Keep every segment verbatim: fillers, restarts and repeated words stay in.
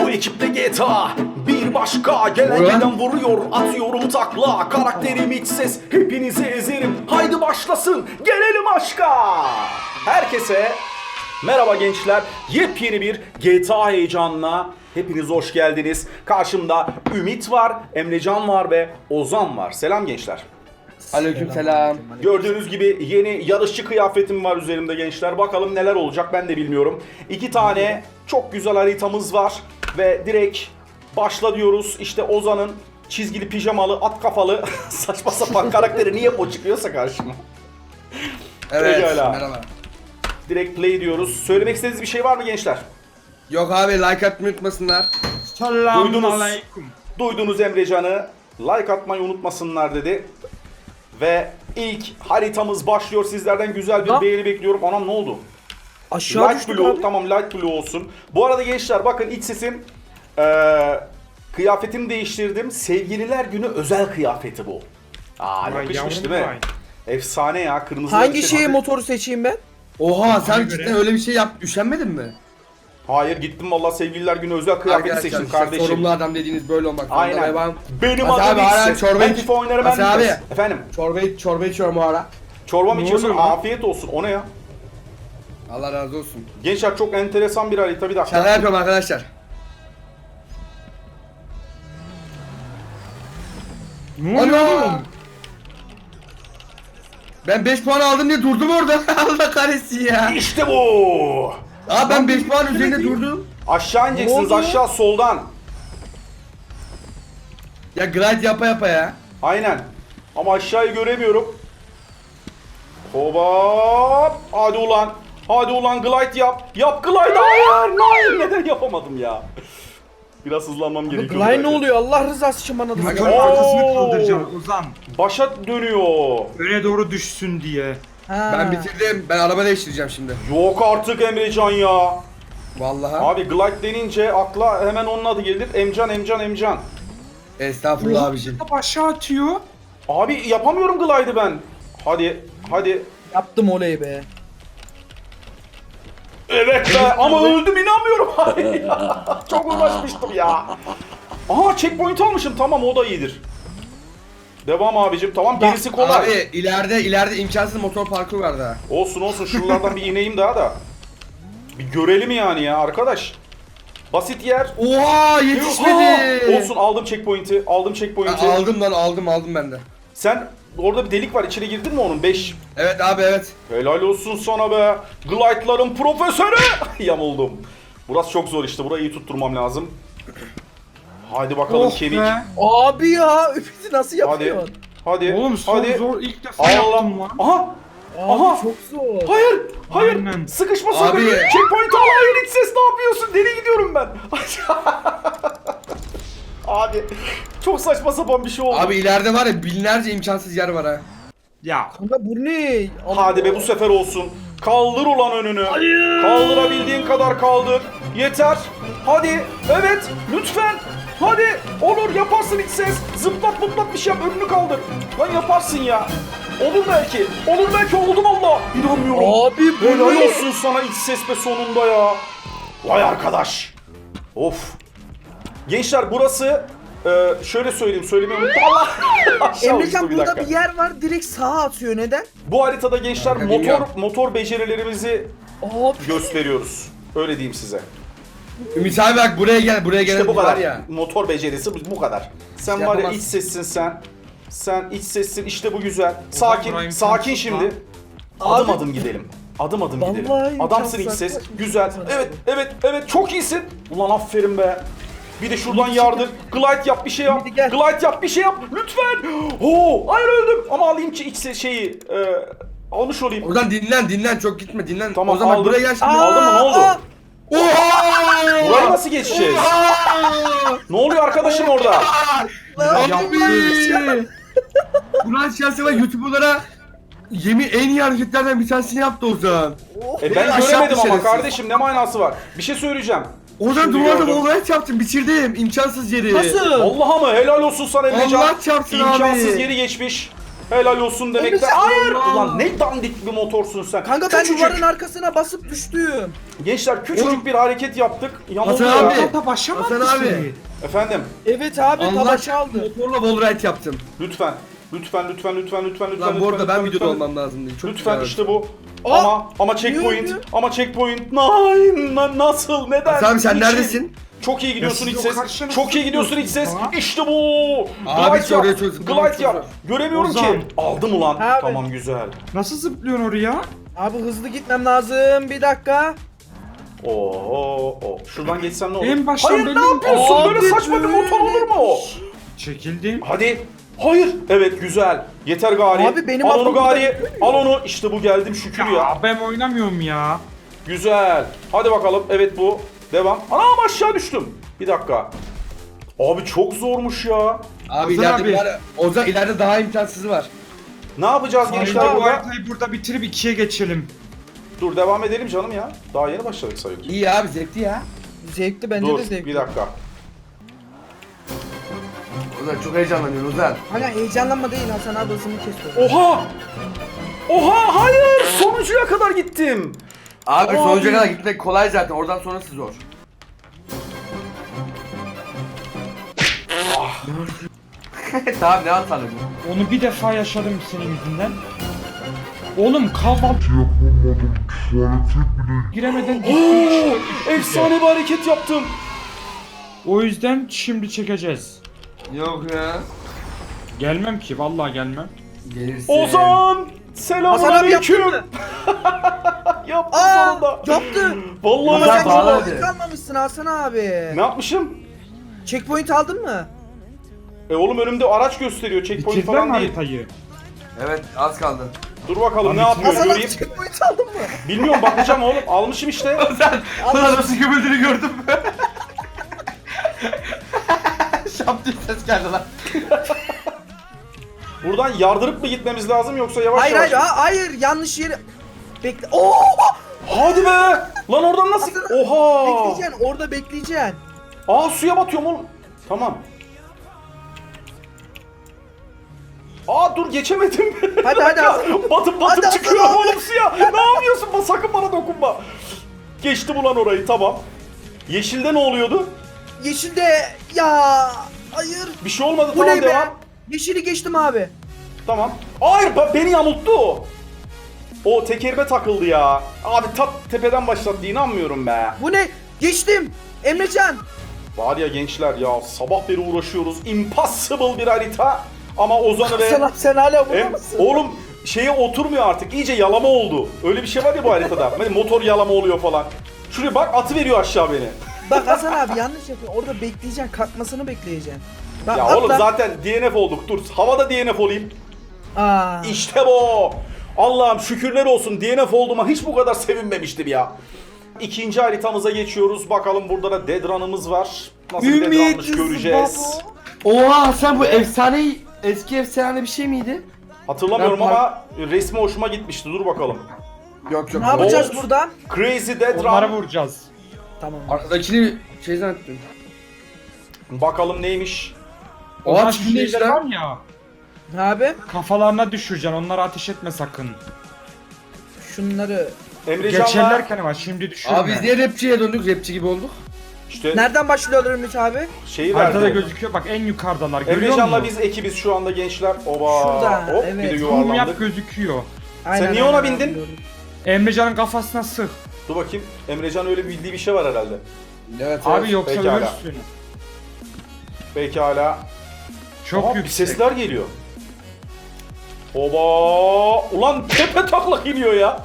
Bu ekiple G T A bir başka. Gelen giden vuruyor, atıyorum takla. Karakterim iç ses, hepinizi ezerim. Haydi başlasın, gelelim aşka. Herkese merhaba gençler. Yepyeni bir G T A heyecanına hepiniz hoş geldiniz. Karşımda Ümit var, Emrecan var ve Ozan var. Selam gençler. Aleykümselam. Gördüğünüz gibi yeni yarışçı kıyafetim var üzerimde gençler. Bakalım neler olacak ben de bilmiyorum. İki tane çok güzel haritamız var. Ve direkt başla diyoruz. İşte Ozan'ın çizgili pijamalı at kafalı saçma sapan karakteri niye o çıkıyorsa karşıma. Evet, Pekala. merhaba. Direkt play diyoruz. Söylemek istediğiniz bir şey var mı gençler? Yok abi, like atmayı unutmasınlar. Duydunuz. Duydunuz Emrecan'ı. Like atmayı unutmasınlar dedi. Ve ilk haritamız başlıyor. Sizlerden güzel bir Ha? beğeni bekliyorum. Anam ne oldu? Aşağı Light düştük blue, abi. tamam light blue olsun. Bu arada gençler bakın iç sesim ee, kıyafetimi değiştirdim. Sevgililer günü özel kıyafeti bu. Aa Vay yakışmış yavrum değil mi? vay. Efsane ya, kırmızı. Hangi şeye motoru seçeyim ben? Oha, sen Ona göre- cidden öyle bir şey yap, üşenmedin mi? Hayır, gittim vallahi sevgililer günü özel kıyafeti Arkadaşlar, seçtim işte kardeşim. sorumlu adam dediğiniz böyle olmak zorunda. Aynen. Ve ben Benim Hasan adım abi, hala İç Ses. çorba Ben iç- FIFA oynarım, ben Hasan bilmez. abi. Efendim, çorba, çorba içiyorum o ara. çorba mı Ne içiyorsun? oluyor lan? Afiyet olsun. O ne ya? Allah razı olsun. Gençler çok enteresan bir harita, bir dakika. Şaka yapıyorum arkadaşlar. Ne oluyor Ana! oğlum? Ben beş puan aldım diye durdum orada. Allah kahretsin ya. İşte bu. Abi ben beş puan üzerinde durdum. Aşağı ineceksiniz, oldu? aşağı soldan. Ya glide yapa yapa ya. Aynen. Ama aşağıyı göremiyorum. Hop. Hadi ulan. Hadi ulan glide yap. Yap glide. Hayır. Hayır. Neden yapamadım ya? Biraz hızlanmam gerekiyor. Glide ne oluyor? Allah rızası için bana da Motor söyle. Oo. arkasını kaldıracağım Ozan. Başa dönüyor. Öne doğru düşsün diye. Ha. Ben bitirdim. Ben araba değiştireceğim şimdi. Yok artık Emrecan ya. Vallahi. Abi glide denince akla hemen onun adı gelir. Emcan, Emcan, Emcan. Estağfurullah abicim. Top aşağı atıyor. Abi yapamıyorum glide'ı ben. Hadi. Hadi. Yaptım oley be. Evet be, ama öldüm, inanmıyorum. Hayır ya. Çok uğraşmıştım ya. Aha, checkpoint almışım, tamam, o da iyidir. Devam abicim, tamam, gerisi kolay. Abi ileride ileride imkansız motor parkuru var daha. Olsun olsun, şuralardan bir ineyim daha da. Bir görelim yani ya arkadaş. Basit yer. Oha, yetişmedi. Aa, olsun, aldım checkpoint'i, aldım Ben checkpoint'i. aldım lan, aldım aldım ben de. Sen orada bir delik var, içine girdin mi onun? beş. Evet abi, evet. Helal olsun sana be. Glide'ların profesörü. Yamuldum. Burası çok zor işte, burayı iyi tutturmam lazım. Hadi bakalım Oh kemik. be. Abi ya, Ümit'i nasıl Hadi. yapıyorsun? Hadi. Oğlum zor hadi. zor ilk defa Allah. yaptım lan. Aha. Abi Aha. çok zor. Hayır. Hayır. Aynen. Sıkışma Abi. sakın. Checkpoint al. Hayır, iç ses, ne yapıyorsun? Nereye gidiyorum ben? Abi. Çok saçma sapan bir şey oldu. Abi ileride var ya, binlerce imkansız yer var ha. Ya. Kanka bu ne? Hadi be, bu sefer olsun. Kaldır ulan önünü. Hayır. Kaldırabildiğin kadar kaldır. Yeter. Hadi. Evet. Lütfen. Hadi. Olur, yaparsın iç ses. Zıplat mutlat bir şey yap. Önünü kaldır. Lan yaparsın ya. Olur belki. Olur belki, oldum Allah. İnanmıyorum. Abi bu Helal ne? olsun sana iç ses be sonunda ya. Vay arkadaş. Of. Gençler burası e, şöyle söyleyeyim, söylemeyi unuttum. Allah. Aşağı uçtu Emrecan bir burada dakika. bir yer var, direkt sağa atıyor, neden? Bu haritada gençler Kanka, motor bilmiyorum. motor becerilerimizi Abi. gösteriyoruz. Öyle diyeyim size. Ümit abi bak, buraya gel, buraya gel. İşte bu var kadar. ya. Motor becerisi bu, bu kadar. Sen Şey var ya, yapamaz. iç sessin sen. Sen iç sessin, işte bu güzel. Sakin, Brian sakin Thompson şimdi. lan. Adım Abi. adım gidelim. Adım adım Vallahi gidelim. Adamsın imkansız iç ses. arkadaş. Güzel. Evet, evet, evet. Çok iyisin. Ulan aferin be. Bir de şuradan yardır. Glide yap, bir şey yap. Hadi gel. Glide yap, bir şey yap. Lütfen. Oo, hayır öldüm. Ama alayım ki iç ses şeyi. E, almış olayım. Oradan dinlen, dinlen, çok gitme, dinlen. Tamam, o zaman aldım. buraya gel şimdi. Aa, Aldın mı, ne oldu? aa. Oha! Burayı nasıl geçeceğiz? Oha! Ne oluyor arkadaşım orada? Abi! Burak Şahsı'na YouTuber'lara yemin en iyi hareketlerden bir tanesini yaptı Ozan. E ben Aşağı göremedim ama şerefsiz. kardeşim, ne manası var? Bir şey söyleyeceğim. Ozan Şimdi duvarda gördüm. wallride yaptım, bitirdim. İmkansız yeri. Nasıl? Allah'a mı helal olsun sana Emrecan. Allah çarpsın İmkansız abi. yeri geçmiş. Helal olsun demekte. Emrecan, Hayır. Allah. Ulan ne dandik bir motorsun sen. Kanka ben Küçücük. duvarın arkasına basıp düştüm. Gençler küçücük Oğlum. bir hareket yaptık. Yamuldu Hasan ya. abi. Hatta başa Hasan mı abi. abi. Efendim Evet abi Allah tava çaldı. motorla wallride yaptım. lütfen. Lütfen lütfen lütfen lütfen lütfen. Lan bu arada lütfen, ben lütfen, videoda lütfen. olmam lazım değil. Çok Lütfen güzel. işte bu. Aa, ama ama checkpoint. niye öldü? Ama checkpoint. Nein, na- nasıl? Neden? Hasan abi sen Niçin? neredesin? Çok iyi gidiyorsun Ya iç siz o ses. karşına Çok iyi nasıl gidiyorsun iç ses. gidiyorsunuz ha? İşte bu. Abi Glide oraya yap. çok zıplamak Glide çok yap. zor. Göremiyorum Ozan. ki. Aldım ulan. Abi. Tamam güzel. Nasıl zıplıyorsun oraya? Abi hızlı gitmem lazım. Bir dakika. Oo, oo. Şuradan geçsem ne olur? En baştan Hayır belli ne mi? yapıyorsun? Abi, Böyle saçma bir motor olur mu? Çekildim. Hadi. Hayır. Evet güzel. Yeter gari. Abi, benim al onu aklım gari. burada Al onu. İşte bu geldim şükür ya. Ya ben oynamıyorum ya. Güzel. Hadi bakalım. Evet bu. Devam. Anam aşağı düştüm. Bir dakika. Abi çok zormuş ya. Abi Hasan ileride abi. var. Ozan ileride daha imkansızı var. Ne yapacağız Hayır, gençler bu burada? haritayı burada bitirip ikiye geçelim. Dur devam edelim canım ya. Daha yeni başladık sayılır. İyi abi zevkli ya. Zevkli bence Dur de zevkli. bir dakika. Ozan çok heyecanlanıyor Ozan. Hala heyecanlanma değil Hasan abi hızını kesiyor. Oha! Oha hayır! Sonuncuya kadar gittim. Abi Abi. sonuca kadar gitmek kolay zaten. Oradan sonrası zor. Tamam ne atalım? Onu bir defa yaşadım senin yüzünden. Oğlum kahvaltı giremeden Oo, efsane bir hareket yaptım. O yüzden şimdi çekeceğiz. Yok ya. Gelmem ki vallahi gelmem. Gelirsin. Ozan! Hasan abi Selamünaleyküm. yaptın mı? Yaptım Aa sonunda. yaptı. Vallahi Ama Hasan sen yaptım. bağladı. checkpoint almamışsın Hasan abi. Ne yapmışım? Checkpoint aldın mı? E oğlum önümde araç gösteriyor. Checkpoint Bitirdiler falan mi değil. haritayı? Evet az kaldı. Dur bakalım ne Abi, yapıyor Hasan abi göreyim. checkpoint aldın mı? Bilmiyorum bakacağım oğlum. Almışım işte. Ozan sana nasıl gömüldüğünü gördüm. Şap diye ses geldi lan. Buradan yardırıp mı gitmemiz lazım yoksa yavaş Hayır yavaş? hayır ha- hayır yanlış yere. Bekle. Oo! Hadi be! Lan oradan nasıl? Hasan- Oha! Bekleyeceksin orada bekleyeceksin. Aa suya batıyorum oğlum. Tamam. Aa dur geçemedim. Hadi hadi Hasan. batıp batıp Hadi, hadi, çıkıyorum hadi. oğlum suya. Ne yapıyorsun? Ba- Sakın bana dokunma. Geçtim ulan orayı tamam. Yeşilde ne oluyordu? Yeşilde ya hayır. Bir şey olmadı Bu tamam ne be? devam. Yeşili geçtim abi. Tamam. Hayır ba- beni yamulttu o. O tekerime takıldı ya. Abi tat tepeden başlattı inanmıyorum be. Bu ne? Geçtim. Emrecan. Var ya gençler ya sabah beri uğraşıyoruz. Impossible bir harita. Ama Ozan'ı ve... Sen, sen hala burada Em, mısın? oğlum şeye oturmuyor artık. İyice yalama oldu. Öyle bir şey var ya bu haritada. Hani motor yalama oluyor falan. Şuraya bak atı veriyor aşağı beni. Bak Hasan abi yanlış yapıyor. Orada bekleyeceksin. Kalkmasını bekleyeceksin. Bak, Ya atla. oğlum zaten D N F olduk. Dur havada D N F olayım. Aa. İşte bu. Allah'ım şükürler olsun D N F olduğuma hiç bu kadar sevinmemiştim ya. İkinci haritamıza geçiyoruz. Bakalım burada da Dead Run'ımız var. Nasıl bir Dead Run'mış Ümit göreceğiz. babo. Oha sen bu efsane eski efsane bir şey miydi? Hatırlamıyorum Ben ama resmi hoşuma gitmişti. Dur bakalım. Yok yok. Ne yapacağız Bolt. buradan? Crazy Dead Onlara Run. vuracağız. Tamam. Arkadakini şey zannettim. Bakalım neymiş. Oha Onlar şimdi şeyler işte. var ya. Abi Kafalarına düşüreceksin. Onlara ateş etme sakın. şunları Emrecan'la Geçerlerken ama şimdi düşürme. Abi biz niye rapçiye döndük? Rapçi gibi olduk. işte nereden başlıyorlar Ümit abi? şeyi Haritada verdi. gözüküyor. Bak en yukarıdalar. Görüyor Emrecan'la musun? biz ekibiz şu anda gençler. Oba. Şurada, Hop evet. bir de Zoom yap yuvarlandık. gözüküyor. Aynen, niye ona aynen, bindin? biliyorum. Emrecan'ın kafasına sık. Dur bakayım. Emrecan öyle bildiği bir şey var herhalde. Evet Abi yoksa pekala. ölürsün. Pekala. Çok Aa, bir yüksek. sesler geliyor. Oba! Ulan tepe taklak iniyor ya.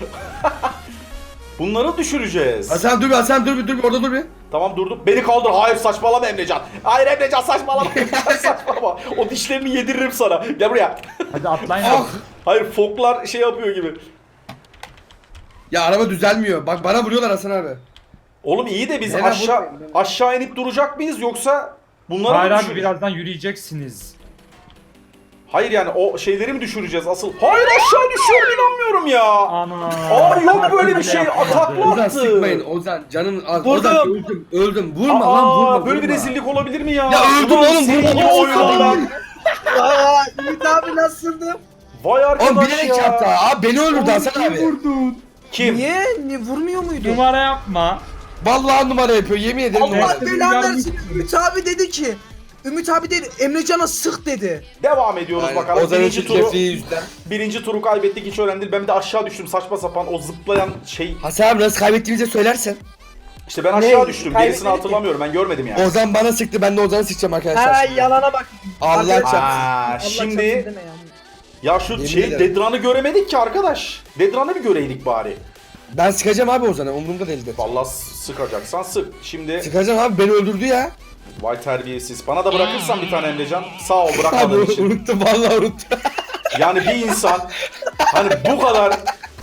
Bunları düşüreceğiz. Hasan dur bir Hasan dur bir dur bir orada dur bir. Tamam durdum. Beni kaldır. Hayır saçmalama Emrecan. Hayır Emrecan saçmalama. saçmalama. O dişlerini yediririm sana. Gel buraya. Hadi atlayın. Ah! Hayır foklar şey yapıyor gibi. Ya araba düzelmiyor. Bak bana vuruyorlar Hasan abi. Oğlum iyi de biz Neden aşağı vurmayın? aşağı inip duracak mıyız yoksa bunları Hayır mı abi düşüreceğiz? birazdan yürüyeceksiniz. Hayır yani o şeyleri mi düşüreceğiz asıl? Hayır aşağı düşüyorum inanmıyorum ya. Ana. Abi yok böyle bir şey. Yapamadı. Atakla Ozan attı. sıkmayın Ozan canın az. Vurdum. Ozan öldüm öldüm. Vurma lan Aa, vurma. böyle bir vurma. rezillik olabilir mi ya? Ya öldüm Ulan oğlum, senin vurma, gibi vurma, oynanan vurma. ben. Aa, Ümit abi nasıldı? Vay Oğlum arkadaş bilerek ya. yaptı. Abi beni öldürdü Hasan abi. Vurdun. Kim? Niye? Niye vurmuyor muydu? Numara yapma. Vallahi numara yapıyor. Yemin ederim numara. Allah Evet, belanı Ümit versin. Ümit abi dedi ki. Ümit abi dedi Emrecan'a sık dedi. Devam ediyoruz Aynen. bakalım. Ozan'ın Birinci turu, çirkefliği yüzünden. birinci turu kaybettik, hiç önemli değil. Ben bir de aşağı düştüm saçma sapan, o zıplayan şey. Hasan abi nasıl kaybettiğimizi söylersen. İşte ben aşağı Ne? düştüm. Kaybetmedik Gerisini hatırlamıyorum, ben görmedim yani. Ozan bana sıktı, ben de Ozan'ı sıkacağım arkadaşlar. Ha şimdi. yalana bak. Allah Arkadaşlar, çarpsın. Aa, Allah şimdi çarpsın deme yani. ya şu Yemin şey ederim. Dedran'ı göremedik ki arkadaş. Dedran'ı bir göreydik bari. Ben sıkacağım abi Ozan'ı, umurumda değildir. Vallahi s- sıkacaksan sık. Şimdi Sıkacağım abi, beni öldürdü ya. vay terbiyesiz. Bana da bırakırsan bir tane Emrecan. Sağ ol Abi bırakmadığın için. unuttum, vallahi unuttum. Yani bir insan hani bu kadar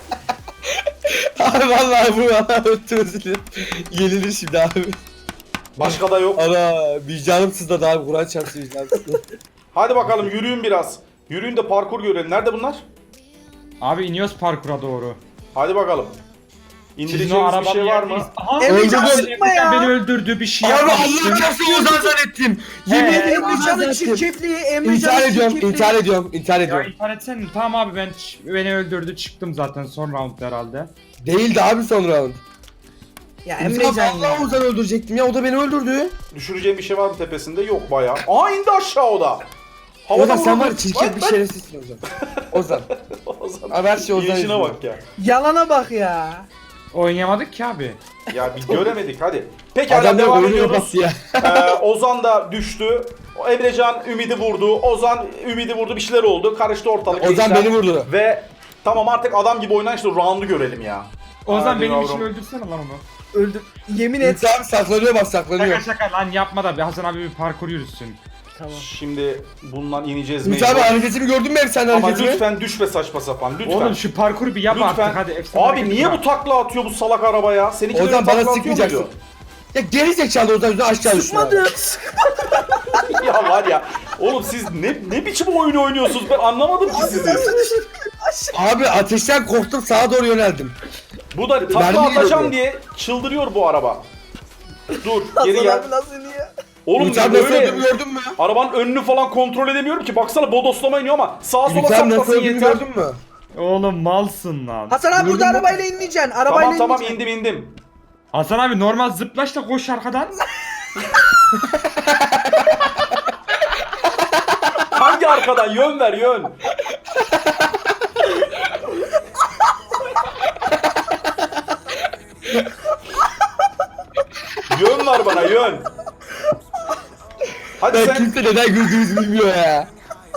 Abi vallahi bu vallahi unuttum, özür dilerim. Yenilir şimdi abi. başka da yok. Ana vicdanım sızladı abi, Kur'an çarpsın vicdanım sızladı. Hadi bakalım yürüyün biraz. Yürüyün de parkur görelim. Nerede bunlar? Abi iniyoruz parkura doğru. Hadi bakalım. Sizin o İndireceğimiz bir arabanın şey var mı? yerdeyiz. Aha. Emrecan Öldürdüm. sıkma ya. Beni öldürdü, bir şey Abi yapmamıştım. Allah çarpsın Ozan zannettim. Yemin He. ederim Ozan Emrecan'ın zannettim. çirkefliği, İntihar Emrecan'ın ediyorum, çirkefliği. intihar ediyorum, intihar Ya ediyorum. intihar etsene. Tamam abi ben ç- beni öldürdü, çıktım zaten son round herhalde. Değildi abi son round. Ya Emrecan Emrecan ya. vallahi Ozan'ı öldürecektim ya, o da beni öldürdü. Düşüreceğim bir şey var mı tepesinde? Yok bayağı. Aa indi aşağı o da. Havada Ozan sen vurdu. var ya, çirkin bir Bak, şerefsizsin Ozan. Ozan. bak. Ozan. Abi her şey Ozan Yiyişine yüzünden. bak ya. Yalana bak ya. Oynayamadık ki abi. Ya bir göremedik hadi. Pekala Adam da devam oyunu ediyoruz. kapattı ya. Ee, Ozan da düştü. O Emrecan Ümidi vurdu. Ozan Ümidi vurdu. Bir şeyler oldu. Karıştı ortalık. Ozan gençler. beni vurdu. Ve tamam artık adam gibi oynan işte round'u görelim ya. Ozan Hadi benim yavrum. için öldürsene lan onu. Öldü. Yemin et. Ümit abi saklanıyor bak, saklanıyor. Şaka şaka lan yapma da bir Hasan abi bir parkur yürüsün. Tamam. Şimdi bundan ineceğiz Ümit mecbur. abi hareketimi gördün mü efsane Ama hareketimi? lütfen düşme saçma sapan lütfen. Oğlum şu parkuru bir yap lütfen. artık hadi. efsane Abi hareket niye yap. bu takla atıyor bu salak araba ya? Seninki Ozan böyle bana takla atıyor sıkmayacaksın. muydu? Ya geri zekalı Ozan yüzünden aşağı düştü. Sıkmadı. Ya var ya. Oğlum siz ne ne biçim oyun oynuyorsunuz? Ben anlamadım ki sizi. Abi ateşten korktum, sağa doğru yöneldim. Bu da takla Mermi atacağım geliyordu. diye çıldırıyor bu araba. Dur geri Hasan gel. abi nasıl iniyor? Oğlum Ümit abi nasıl böyle öldüğümü gördün mü? arabanın önünü falan kontrol edemiyorum ki. Baksana bodoslama iniyor ama sağa sola Ümit abi nasıl saklasın öldüğümü yeter. gördün mü? Oğlum malsın lan. Hasan abi burada Gördün mü? arabayla inmeyeceksin. Arabayla Tamam tamam inmeyeceksin. indim indim. Hasan abi normal zıplaş da koş arkadan. Hangi arkadan? Yön ver yön. Yön ver bana yön. Hadi Ben sen. kimse neden güldüğümüzü bilmiyor ya.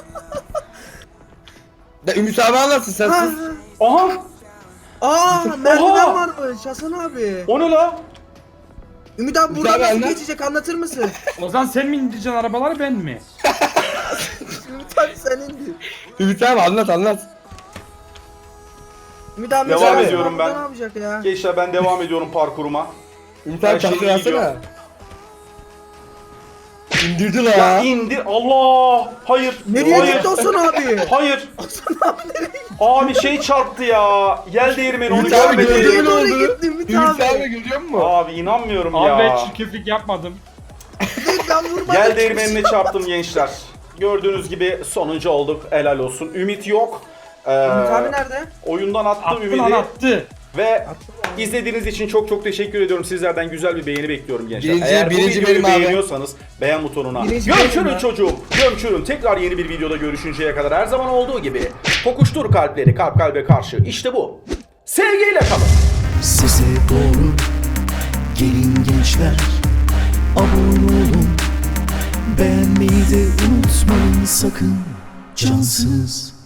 Ya Ümit abi anlatsın sen Ha. sus. Aha Aa merdiven Oha! varmış Hasan abi. o ne la? Ümit abi Ümit buradan abi nasıl anlat. geçecek anlatır mısın? Ozan sen mi indireceksin arabaları ben mi? Ümit abi sen indir. Ümit abi anlat anlat. Ümit abi Devam mesela ediyorum burada ben. Ne yapacak ya? Gençler ben devam ediyorum parkuruma. Ümit Her abi şey tahtayı iyi gidiyor. alsana. İndirdi la. Ya indir Allah. Hayır. Nereye Hayır. gitti Hasan abi? Hayır. Abi şey çarptı ya. Gel değirmeni onu Ümit abi görmedi. gördün mü ne Doğru oldu? gitti Ümit Ümit abi. abi görüyor musun? Abi inanmıyorum Abi ya. ben çirkeflik yapmadım. Ben vurmadım. Gel değirmenine çarptım gençler. Gördüğünüz gibi sonuncu olduk. Helal olsun. Ümit yok. Ee, Ümit abi nerede? oyundan attı Attı Ümit'i. lan attı. Ve izlediğiniz için çok çok teşekkür ediyorum. Sizlerden güzel bir beğeni bekliyorum gençler. Birinci- Eğer birinci bu videoyu benim abi. beğeniyorsanız beğen butonuna Birinci benim gömçürün ya. çocuğum. Gömçürün. Tekrar yeni bir videoda görüşünceye kadar her zaman olduğu gibi tokuştur kalpleri kalp kalbe karşı. İşte bu. Sevgiyle kalın. Size doğru gelin gençler, abone olun, beğenmeyi de unutmayın sakın, cansız.